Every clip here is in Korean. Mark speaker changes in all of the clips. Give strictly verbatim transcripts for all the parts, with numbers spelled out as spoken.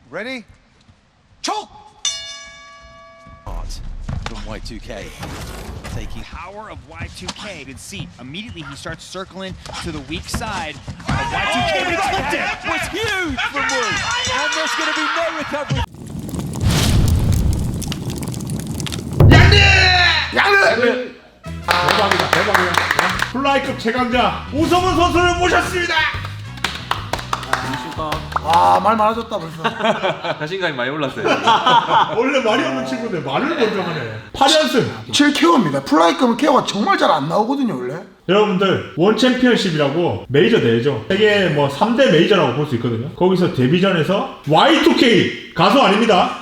Speaker 1: Ready? Choke!
Speaker 2: From Y two K. Taking
Speaker 3: Power of Y two K. You can see immediately he starts circling to the weak side of Y two K. But he clipped it.
Speaker 2: was huge from Wu, and there's going to be no recovery.
Speaker 4: 양대! 대박이다, 대박이야. 플라이급 최강자 오성훈 선수를 모셨습니다.
Speaker 5: 아, 말 많아졌다 벌써.
Speaker 6: 자신감이 많이 올랐어요.
Speaker 4: 원래 말이 없는 친구인데 말을 먼저 하네. 팔 연승.
Speaker 5: 칠 케어입니다. 플라이급은 케어가 정말 잘 안 나오거든요, 원래.
Speaker 4: 여러분들 원 챔피언십이라고 메이저 대회죠. 세계 뭐 삼 대 메이저라고 볼 수 있거든요. 거기서 데뷔전에서 와이 투 케이 가수 아닙니다.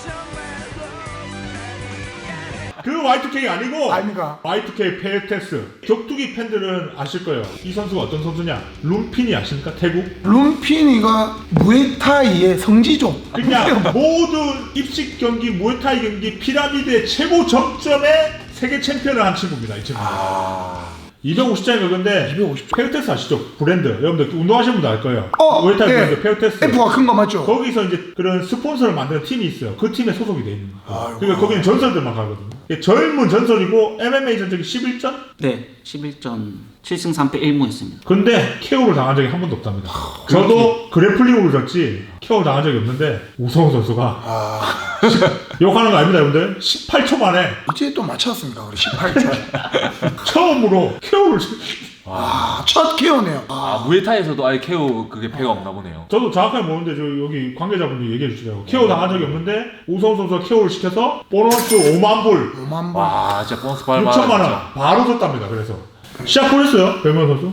Speaker 4: 그 와이 투 케이 아니고
Speaker 5: 아닙니까?
Speaker 4: 와이 투 케이 페이텍스. 격투기 팬들은 아실 거예요. 이 선수가 어떤 선수냐? 룸피니 아십니까? 태국?
Speaker 5: 룸피니가 무에타이의 성지죠.
Speaker 4: 그냥 모든 입식 경기, 무에타이 경기 피라미드의 최고 점점에 세계 챔피언을 한 친구입니다. 이 친구. 아... 이백오십 장이 그건데
Speaker 5: 이백오십 장.
Speaker 4: 페어텍스 아시죠? 브랜드. 여러분들 운동하시는 분들 알 거예요.
Speaker 5: 어,
Speaker 4: 무에타이
Speaker 5: 네.
Speaker 4: 브랜드 페어텍스.
Speaker 5: F가 큰 거 맞죠?
Speaker 4: 거기서 이제 그런 스폰서를 만드는 팀이 있어요. 그 팀에 소속이 돼 있는 거예요. 그러니까 거기는 전설들만 가거든요. 젊은 전설이고 엠엠에이 전적이 십일 전?
Speaker 7: 네, 십일 전 칠 승 삼 패 일 무였습니다.
Speaker 4: 근데 케어를 당한 적이 한 번도 없답니다. 저도 그래플링으로 졌지 케어 당한 적이 없는데 우성훈 선수가
Speaker 5: 아...
Speaker 4: 욕하는 거 아닙니다, 여러분들. 십팔 초 만에
Speaker 5: 이제 또 맞췄습니다, 우리 십팔 초.
Speaker 4: 처음으로 케어를
Speaker 5: 아, 첫 케어네요.
Speaker 6: 아, 무에타이에서도 아예 케어 그게 배가 없나 보네요.
Speaker 4: 저도 정확하게 모르는데 저 여기 관계자분이 얘기해 주시더라고요. 케어 당한 적이 없는데 우성훈 선수가 케어를 시켜서 보너스 오만 불,
Speaker 5: 오만 번.
Speaker 6: 와, 진짜 보너스 발만.
Speaker 4: 육천만 원 바로 줬답니다. 그래서 시합 보냈어요, 백명 선수?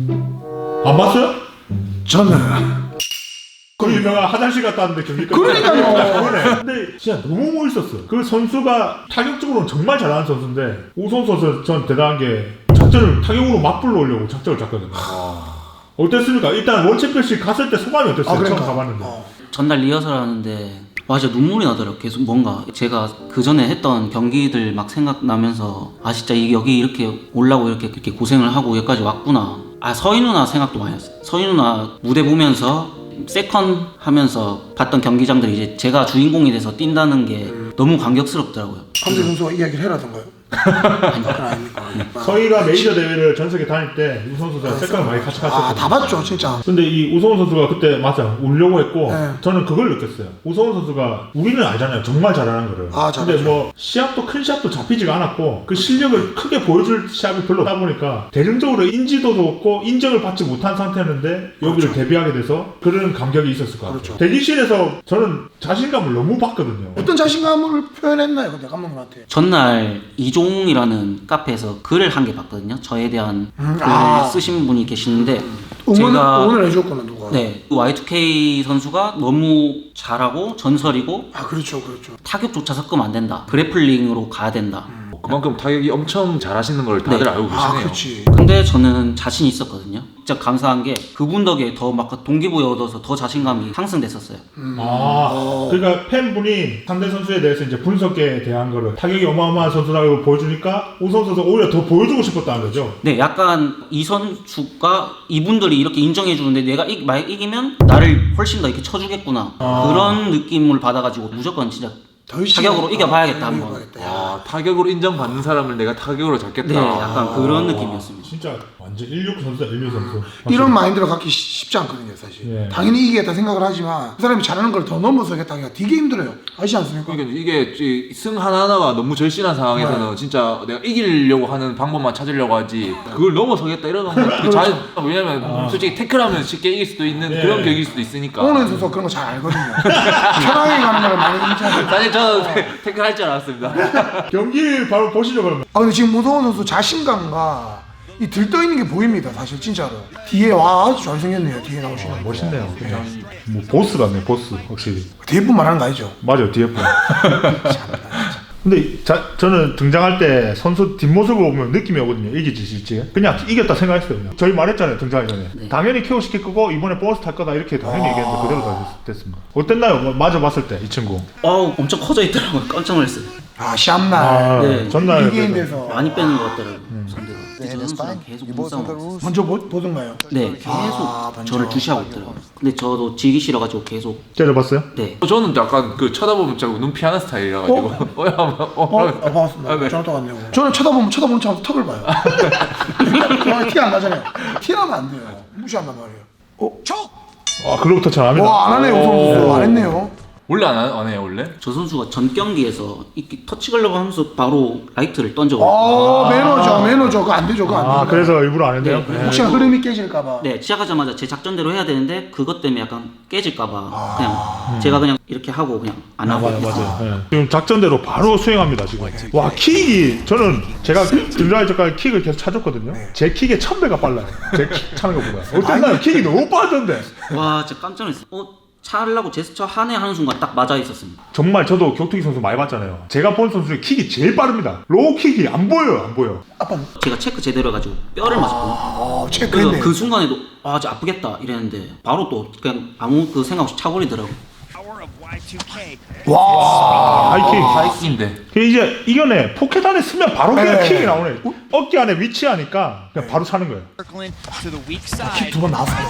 Speaker 4: 안 봤어요?
Speaker 5: 저는
Speaker 4: 그 유명한 화장실 갔다 왔는데 경기 끝.
Speaker 5: 그러니까요.
Speaker 4: 근데 진짜 너무 멋있었어요. 그 선수가 타격적으로는 정말 잘하는 선수인데 우성훈 선수 전 대단한 게 작전을 타격으로 맞불러 오려고 작전을 짰거든요. 어땠습니까? 일단 원챔피언십 갔을 때 소감이 어땠어요?
Speaker 5: 아, 그러니까.
Speaker 4: 처음 가봤는데.
Speaker 5: 어.
Speaker 7: 전날 리허설 하는데 와 진짜 눈물이 나더라고요. 계속 뭔가 제가 그 전에 했던 경기들 막 생각나면서 아 진짜 이게 여기 이렇게 올라고 이렇게 이렇게 고생을 하고 여기까지 왔구나. 아 서희 누나 생각도 많이 했어요. 서희 누나 무대 보면서 세컨 하면서 봤던 경기장들이 이제 제가 주인공이 돼서 뛴다는 게 너무 감격스럽더라고요.
Speaker 5: 함재 선수가 이야기를 해라던가요? 아니, 그건 아닙니까?
Speaker 4: 서희가 메이저 대회를 전 세계 다닐 때 우성훈 선수가 색깔을 많이 같이 갔었거든요.
Speaker 5: 아, 다 봤죠, 진짜.
Speaker 4: 근데 이 우성훈 선수가 그때 맞아 울려고 했고
Speaker 5: 네.
Speaker 4: 저는 그걸 느꼈어요. 우성훈 선수가 우리는 알잖아요, 정말 잘하는 거를.
Speaker 5: 아,
Speaker 4: 근데
Speaker 5: 잘하죠.
Speaker 4: 뭐 시합도 큰 시합도 잡히지가 않았고 그 실력을 크게 보여줄 시합이 별로 없다 보니까 대중적으로 인지도도 없고 인정을 받지 못한 상태였는데 여기를
Speaker 5: 그렇죠.
Speaker 4: 데뷔하게 돼서 그런 감격이 있었을 것 같아요.
Speaker 5: 그렇죠.
Speaker 4: 대기실에서 저는 자신감을 너무 받거든요.
Speaker 5: 어떤 자신감을 표현했나요, 근데 감독님한테?
Speaker 7: 전날 이종이라는 카페에서 글을 한 개 봤거든요. 저에 대한
Speaker 5: 음,
Speaker 7: 글을
Speaker 5: 아.
Speaker 7: 쓰신 분이 계시는데
Speaker 5: 응원,
Speaker 7: 제가
Speaker 5: 응원을 해줬구나, 누가.
Speaker 7: 네 와이 투 케이 선수가 너무 잘하고 전설이고
Speaker 5: 아, 그렇죠, 그렇죠.
Speaker 7: 타격조차 섞으면 안 된다. 그래플링으로 가야 된다.
Speaker 6: 그만큼 타격이 엄청 잘하시는 걸 다들
Speaker 7: 네.
Speaker 6: 알고 계시네요.
Speaker 5: 아, 그렇지.
Speaker 7: 근데 저는 자신 있었거든요. 진짜 감사한 게 그분 덕에 더 막 동기부여 얻어서 더 자신감이 상승됐었어요.
Speaker 4: 아, 그러니까 팬분이 상대 선수에 대해서 이제 분석에 대한 거를 타격이 어마어마한 선수라고 보여주니까 우성훈 선수가 오히려 더 보여주고 싶었다는 거죠.
Speaker 7: 네, 약간 이 선수가 이분들이 이렇게 인정해 주는데 내가 이, 만약 이기면 나를 훨씬 더 이렇게 쳐주겠구나.
Speaker 4: 아.
Speaker 7: 그런 느낌을 받아가지고 무조건 진짜
Speaker 5: 더 열심히
Speaker 7: 타격으로
Speaker 5: 하겠다.
Speaker 7: 이겨봐야겠다,
Speaker 5: 아,
Speaker 7: 한번.
Speaker 5: 이겨봐야겠다. 야.
Speaker 6: 아, 타격으로 인정받는 사람을 내가 타격으로 잡겠다.
Speaker 7: 네, 약간 그런 느낌이었습니다.
Speaker 4: 진짜 완전 일류 선수다, 일류 선수.
Speaker 5: 이런 마인드를 갖기 쉽- 쉽지 않거든요, 사실.
Speaker 4: 예.
Speaker 5: 당연히 이기겠다 생각을 하지만 그 사람이 잘하는 걸 더 넘어서겠다 하기가 되게 힘들어요. 아시지 않습니까?
Speaker 6: 그러니까 이게 이 승 하나하나가 너무 절실한 상황에서는 진짜 내가 이기려고 하는 방법만 찾으려고 하지 그걸 넘어서겠다 이러는 건 자, 왜냐면 솔직히 태클하면 쉽게 이길 수도 있는
Speaker 4: 네.
Speaker 6: 그런 격일 수도 있으니까.
Speaker 5: 오는 선수 그런 거 잘 알거든요. 편하게 가는 걸 많이 인지하고.
Speaker 6: 사실 저는 태클 할 줄 알았습니다.
Speaker 4: 경기 바로 보시죠, 그러면.
Speaker 5: 아 근데 지금 무성훈 선수 자신감과 이 들떠 있는 게 보입니다, 사실 진짜로. 뒤에 와 아주 잘생겼네요, 뒤에 나오시는.
Speaker 4: 아, 멋있네요. 그냥 뭐 보스 같네, 보스 확실히.
Speaker 5: 뒤에 분 말하는 거 아니죠?
Speaker 4: 맞아요, 뒤에 분. 근데 자, 저는 등장할 때 선수 뒷모습을 보면 느낌이 오거든요. 이기지 질지. 그냥 이겼다 생각했어요. 그냥. 저희 말했잖아요, 등장하기 전에.
Speaker 7: 네.
Speaker 4: 당연히 케어 시킬 거고 이번에 보너스 탈 거다 이렇게 당연히 얘기했는데 그대로 다 됐, 됐습니다. 어땠나요? 뭐, 마저 봤을 때 이 친구.
Speaker 7: 어우 엄청 커져 있더라고요. 깜짝 놀랐어요.
Speaker 5: 아 시합날
Speaker 4: 아,
Speaker 7: 네.
Speaker 4: 전날
Speaker 5: 이기인데서
Speaker 7: 많이 빼는 것 같더라고요. 상대가.
Speaker 2: Then a
Speaker 7: 선수랑 계속 몸싸움을 했어요.
Speaker 5: 먼저 보, 보던가요?
Speaker 7: 네, 계속
Speaker 5: 아, 먼저.
Speaker 7: 저를 주시하고 있더라고요. 근데 저도 지기 싫어가지고 계속
Speaker 4: 때려봤어요?
Speaker 7: 네.
Speaker 6: 저는 약간 그 쳐다보면 자꾸 눈 피하는 스타일이라 가지고 어? 야, 어,
Speaker 5: 어?
Speaker 6: 어,
Speaker 5: 아, 반갑습니다.
Speaker 6: 아, 네.
Speaker 5: 전화 또 왔네요. 저는 쳐다보면 쳐다보는 척 턱을 봐요. 티 안 나잖아요. 티 나면 안 돼요. 무시한단 말이에요. 어?
Speaker 4: 아 그로부터 잘합니다.
Speaker 5: 와, 안 하네요, 우선 선수. 안 했네요.
Speaker 6: 원래 안, 하- 안 해요 원래?
Speaker 7: 저 선수가 전 경기에서 이렇게 터치 걸려고 하면서 바로 라이트를 던져버렸어요.
Speaker 5: 아, 매너죠, 매너죠. 그거 안 되죠, 그거 안 돼요.
Speaker 4: 아 그래서 일부러 안 했네요.
Speaker 7: 네.
Speaker 4: 네.
Speaker 5: 혹시나 흐름이 깨질까봐.
Speaker 7: 네, 시작하자마자 제 작전대로 해야 되는데 그것 때문에 약간 깨질까봐 그냥 제가 그냥 이렇게 하고 그냥 안
Speaker 4: 아,
Speaker 7: 하고
Speaker 4: 맞아요, 맞아요. 네. 지금 작전대로 바로 수행합니다 지금. 와 킥이 저는 제가 들어갈 때까지 킥을 계속 찾았거든요. 제 킥의 천 배가 빨라요. 제 킥 차는 것보다. 어땠나요? 킥이 너무 빠르던데.
Speaker 7: 와, 진짜 깜짝 놀랐어요. 어, 차려고 제스처 하네 하는 순간 딱 맞아 있었습니다.
Speaker 4: 정말 저도 격투기 선수 많이 봤잖아요. 제가 본 선수 중에 킥이 제일 빠릅니다. 로우 킥이 안 보여요, 안 보여.
Speaker 7: 제가 체크 제대로 해가지고 뼈를 맞았거든요.
Speaker 5: 아,
Speaker 7: 그래서
Speaker 5: 체크했네.
Speaker 7: 그 순간에도 아, 진짜 아프겠다 이랬는데 바로 또 그냥 아무 그 생각 없이 차버리더라고요.
Speaker 3: Power of 와이 투 케이.
Speaker 4: 와, 하이킥.
Speaker 6: 하이킥인데
Speaker 4: 그 이제 이겨내 포켓 안에 쓰면 바로 그냥
Speaker 5: 네.
Speaker 4: 킥이 나오네. 어깨 안에 위치하니까 그냥 바로 차는 거예요.
Speaker 3: Circling to the weak side.
Speaker 5: 두 번 나왔어요.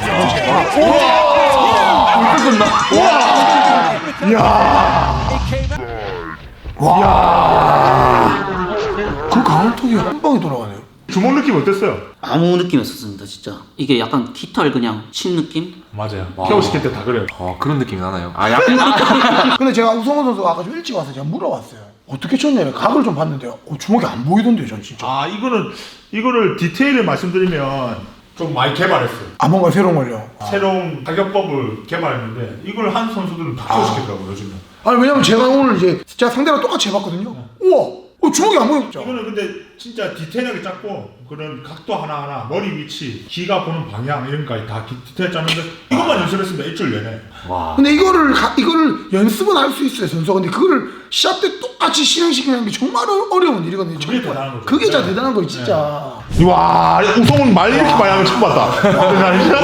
Speaker 5: 그 강원톡이 한 방에 돌아가네요.
Speaker 4: 주먹 느낌 어땠어요?
Speaker 7: 아무 느낌 없었습니다, 진짜. 이게 약간 깃털 그냥 친 느낌?
Speaker 4: 맞아요. 케어 시킬 때 다 그래요.
Speaker 6: 아 그런 느낌이 나나요? 아 약간
Speaker 5: 근데 제가 우성호 선수가 아까 좀 일찍 와서 제가 물어봤어요. 어떻게 쳤냐면 각을 좀 봤는데요. 어, 주먹이 안 보이던데요, 전 진짜.
Speaker 4: 아 이거는 이거를 디테일을 말씀드리면 좀 많이 개발했어요.
Speaker 5: 아, 뭔가 새로운 걸요.
Speaker 4: 새로운 타격법을 개발했는데 이걸 한 선수들은 다 케어 시키더라고요 요즘은.
Speaker 5: 아니 왜냐면 제가 오늘 이제 제가 상대랑 똑같이 해봤거든요. 우와, 어, 주먹이 안 보였죠.
Speaker 4: 이거는 근데 진짜 디테일하게 짰고 그런 각도 하나하나 머리 위치 기가 보는 방향 이런 거까지 다 디- 디테일 짰는데 이것만 연습했으면 일주일 내내.
Speaker 6: 와
Speaker 5: 근데 이거를 가, 이거를 연습은 할 수 있어요 선수가. 근데 그거를 시합 때 똑같이 실행시키는 게 정말 어- 어려운 일이거든요.
Speaker 4: 그게
Speaker 5: 정말.
Speaker 4: 대단한 거죠.
Speaker 5: 그게 진짜
Speaker 4: 네.
Speaker 5: 대단한 거예요, 진짜.
Speaker 4: 와 우성은 말 이렇게 많이 하는 거 처음 봤다.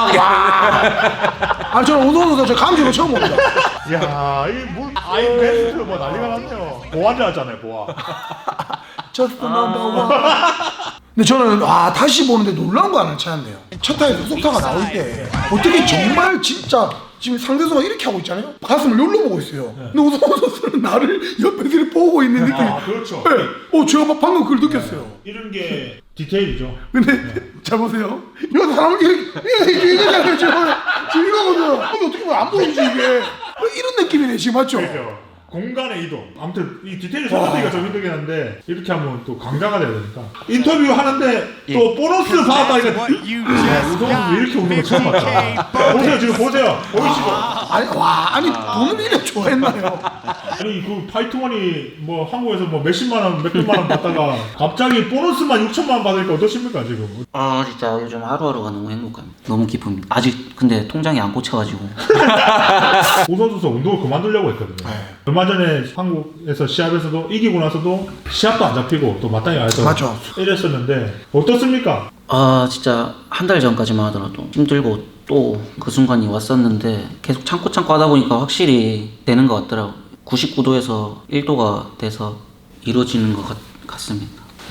Speaker 5: 아 저는 오동 선수 저 감정을 처음 봅니다.
Speaker 4: 야, 이뭐 아이 베스트 뭐 난리가 났네요. 보아를 하잖아요, 보아.
Speaker 5: Just number one. 근데 저는 아 다시 보는데 놀라운 거 하나 찾았네요. 첫 타에서 속타가 나올 때 어떻게 정말 진짜 지금 상대 선수가 이렇게 하고 있잖아요. 가슴을 여기로 보고 있어요. 근데 오성호 선수는 나를 옆에서 이렇게 보고 있는 느낌이.
Speaker 4: 아, 그렇죠.
Speaker 5: 네. 어 제가 막 방금 그걸 느꼈어요.
Speaker 4: 이런 게 디테일이죠.
Speaker 5: 근데 잘 보세요. 여기서 사람을 이렇게 이렇게 이거잖아요 지금. 지금 이거거든요. 이게 어떻게 보면 안 보이지 이게. 뭐 이런 느낌이네 지금 맞죠?
Speaker 4: 그렇죠. 공간의 이동. 아무튼 이 디테일을 설명드리기가 좀 힘들긴 한데 이렇게 하면 또 강자가 돼야 되니까. 인터뷰 하는데 또 보너스 받았다 이거.
Speaker 3: What you
Speaker 4: 네,
Speaker 3: just
Speaker 4: 우성도 이렇게 웃는 거 처음 봤다. 보세요 지금 보세요. 보이시죠?
Speaker 5: 아니 와 아니 돈을 이래 좋아했나요?
Speaker 4: 아니 그 파이트원이 뭐 한국에서 뭐 몇십만 원, 몇백만 원 받다가 갑자기 보너스만 육천만 원 받으니까 어떠십니까 지금?
Speaker 7: 아, 진짜 요즘 하루하루가 너무 행복합니다. 너무 기쁩니다. 아직 근데 통장이 안 꽂혀가지고.
Speaker 4: 우선 선수 운동을 그만두려고 했거든요. 얼마 전에 한국에서 시합에서도 이기고 나서도 시합도 안 잡히고 또 마땅히 안해서
Speaker 5: 맞아.
Speaker 4: 이랬었는데 어떻습니까?
Speaker 7: 아, 진짜 한 달 전까지만 하더라도 힘들고 또 그 순간이 왔었는데 계속 참고 참고 하다 보니까 확실히 되는 것 같더라고요. 구십구 도에서 일 도가 돼서 이루어지는 것 같, 같습니다.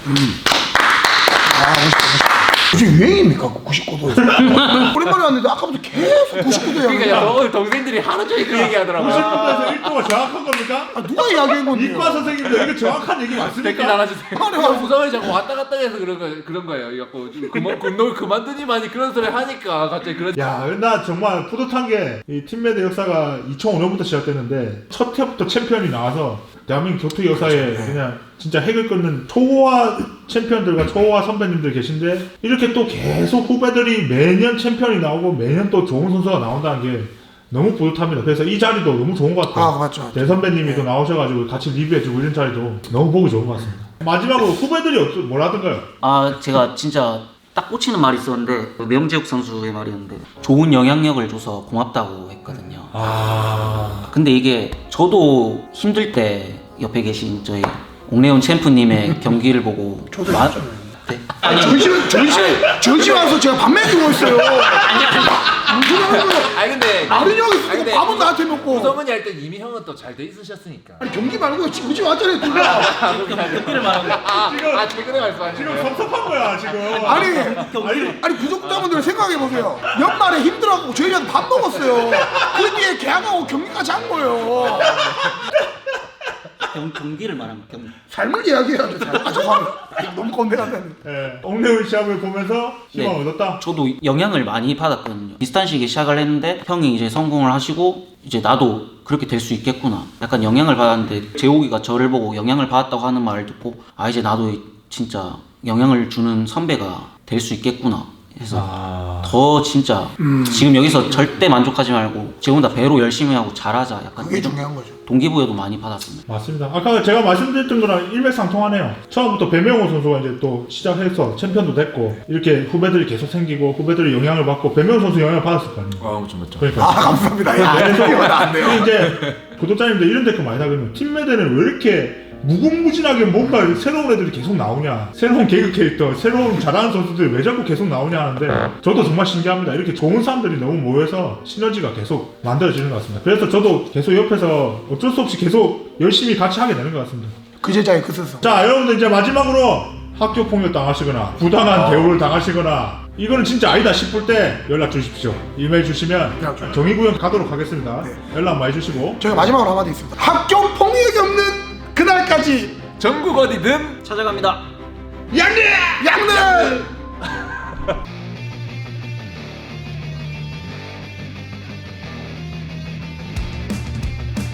Speaker 5: 요즘 유행입니까? 구십구 도에서. 오랜만에 왔는데 아까부터 계속 구십구 도야.
Speaker 6: 그러니까 오늘 동생들이 하루 종일 그 얘기하더라고요.
Speaker 4: 구십구 도에서 일 도가 정확한 겁니까?
Speaker 5: 아, 누가 이야기한 건데요?
Speaker 4: 이과 선생님들 이게 정확한 얘기
Speaker 6: 댓글
Speaker 4: 맞습니까?
Speaker 6: 달아주세요. 우성이 자꾸 왔다 갔다 해서 그런 거 그런 거예요. 이거 그만 운동을 그만두니만이 그런 소리 하니까 갑자기 그런.
Speaker 4: 야, 나 정말 뿌듯한 게 이 팀메드 역사가 이천오 년부터 시작됐는데 첫 해부터 챔피언이 나와서 대한민국 격투기 역사에 그냥 진짜 핵을 끊는 초호화 챔피언들과 초호화 선배님들 계신데 이렇게 또 계속 후배들이 매년 챔피언이 나오고 매년 또 좋은 선수가 나온다는 게 너무 뿌듯합니다. 그래서 이 자리도 너무 좋은 것 같아요.
Speaker 5: 아, 맞죠.
Speaker 4: 대 선배님이 또 나오셔가지고 같이 리뷰해주고 이런 자리도 너무 보기 좋은 것 같습니다. 마지막으로 후배들이 어떠, 뭐라 하던가요?
Speaker 7: 아, 제가 진짜 딱 꽂히는 말이 있었는데 명재욱 선수의 말이었는데 좋은 영향력을 줘서 고맙다고 했거든요.
Speaker 4: 아...
Speaker 7: 근데 이게 저도 힘들 때 옆에 계신 저희 옥내훈 챔프님의 경기를 보고
Speaker 5: 저도
Speaker 7: 마-
Speaker 5: 했잖아요. 아니 전시 전시 전시 와서 제가 밥 먹이고 있어요. 무슨 하는 거야?
Speaker 6: 아니 근데
Speaker 5: 아는 형이
Speaker 6: 아니, 근데
Speaker 5: 밥은 나한테 먹고.
Speaker 6: 구성은이 할 때 이미 형은 또 잘 돼 있으셨으니까.
Speaker 5: 아니 경기 말고 지금 우지 왔잖아요. 둘 다.
Speaker 7: 경기를 말하고
Speaker 6: 아, 아 최근에 말씀하시는
Speaker 4: 지금
Speaker 6: 거예요?
Speaker 4: 섭섭한 거야 지금.
Speaker 5: 아니
Speaker 4: 아니
Speaker 5: 아니 구독자분들 생각해 보세요. 연말에 힘들어하고 저희한테 밥 먹었어요. 그 뒤에 계약하고 경기까지 한 거예요.
Speaker 7: 경, 경기를 말하면 경기.
Speaker 5: 삶을 이야기해야죠. 삶. 아 죄송합니다. 아니, 너무 꼰대가 되네.
Speaker 4: 예, 옥내훈 시합을 보면서 희망을
Speaker 7: 네.
Speaker 4: 얻었다.
Speaker 7: 저도 영향을 많이 받았거든요. 비슷한 시기에 시작을 했는데 형이 이제 성공을 하시고 이제 나도 그렇게 될 수 있겠구나. 약간 영향을 받았는데 재욱이가 저를 보고 영향을 받았다고 하는 말을 듣고 아 이제 나도 진짜 영향을 주는 선배가 될 수 있겠구나. 해서
Speaker 4: 아.
Speaker 7: 더 진짜 지금 여기서 절대 만족하지 말고 지금보다 배로 열심히 하고 잘하자. 약간
Speaker 5: 그게
Speaker 7: 이런
Speaker 5: 중요한 거죠.
Speaker 7: 동기부여도 많이 받았습니다.
Speaker 4: 맞습니다. 아까 제가 말씀드렸던 거랑 일맥상통하네요. 처음부터 배명호 선수가 이제 또 시작해서 챔피언도 됐고 이렇게 후배들이 계속 생기고 후배들이 영향을 받고 배명호 선수 영향을 받았을 거 아니에요.
Speaker 6: 아 그렇죠 맞죠.
Speaker 4: 그러니까
Speaker 5: 아 감사합니다. 야, 이거 나왔네요.
Speaker 4: 그리고 이제 구독자님들 이런 댓글 많이 달거든요. 팀매대는 왜 이렇게 무궁무진하게 뭔가 새로운 애들이 계속 나오냐, 새로운 개그 캐릭터, 새로운 잘하는 선수들이 왜 자꾸 계속 나오냐 하는데 저도 정말 신기합니다. 이렇게 좋은 사람들이 너무 모여서 시너지가 계속 만들어지는 것 같습니다. 그래서 저도 계속 옆에서 어쩔 수 없이 계속 열심히 같이 하게 되는 것 같습니다.
Speaker 5: 그 제자의 그 스승.
Speaker 4: 자, 여러분들 이제 마지막으로 학교 폭력 당하시거나 부당한 대우를 당하시거나 이거는 진짜 아니다 싶을 때 연락 주십시오. 이메일 주시면
Speaker 5: 연락 주세요.
Speaker 4: 정의구현 가도록 하겠습니다. 연락 많이 주시고
Speaker 5: 저희가 마지막으로 한마디 있습니다. 학교 폭력이 없는 그날까지
Speaker 6: 전국 어디든
Speaker 7: 찾아갑니다.
Speaker 4: 양대!
Speaker 5: 양들!